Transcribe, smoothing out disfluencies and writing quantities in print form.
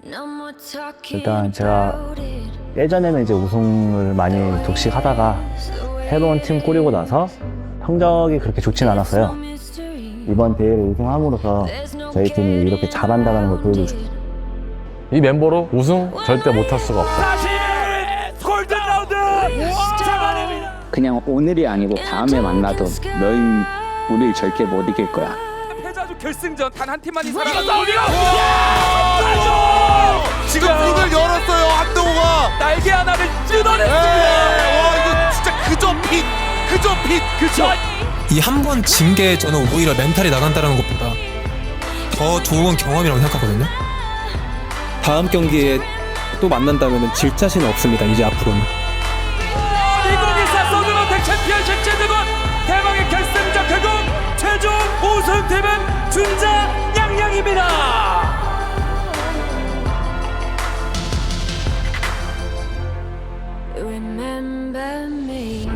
일단 제가 예전에는 이제 우승을 많이 독식하다가 새로운 팀 꾸리고 나서 성적이 그렇게 좋진 않았어요. 이번 대회를 우승함으로써 저희 팀이 이렇게 잘한다는 걸 보여주고 싶어요. 이 멤버로 우승 절대 못할 수가 없다. 다시 골든 라운드 잡아냅니다. 그냥 오늘이 아니고 다음에 만나도 너희 우리 절대 못 이길 거야. 패자주 결승전 단 한 팀만이 살아났다. 지금 문을 열었어요, 한동호가. 날개 하나를 와, 뜯어냈습니다. 이거 진짜 그저 핏. 그쵸? 이 한 번 진 게 저는 오히려 멘탈이 나간다는 것보다 더 좋은 경험이라고 생각하거든요. 다음 경기에 또 만난다면 질 자신은 없습니다. 이제 앞으로는. 2024 서든어택 챔피언십 제드건 대망의 결승전 결국 최종 우승팀은 준자 양양입니다. Remember me.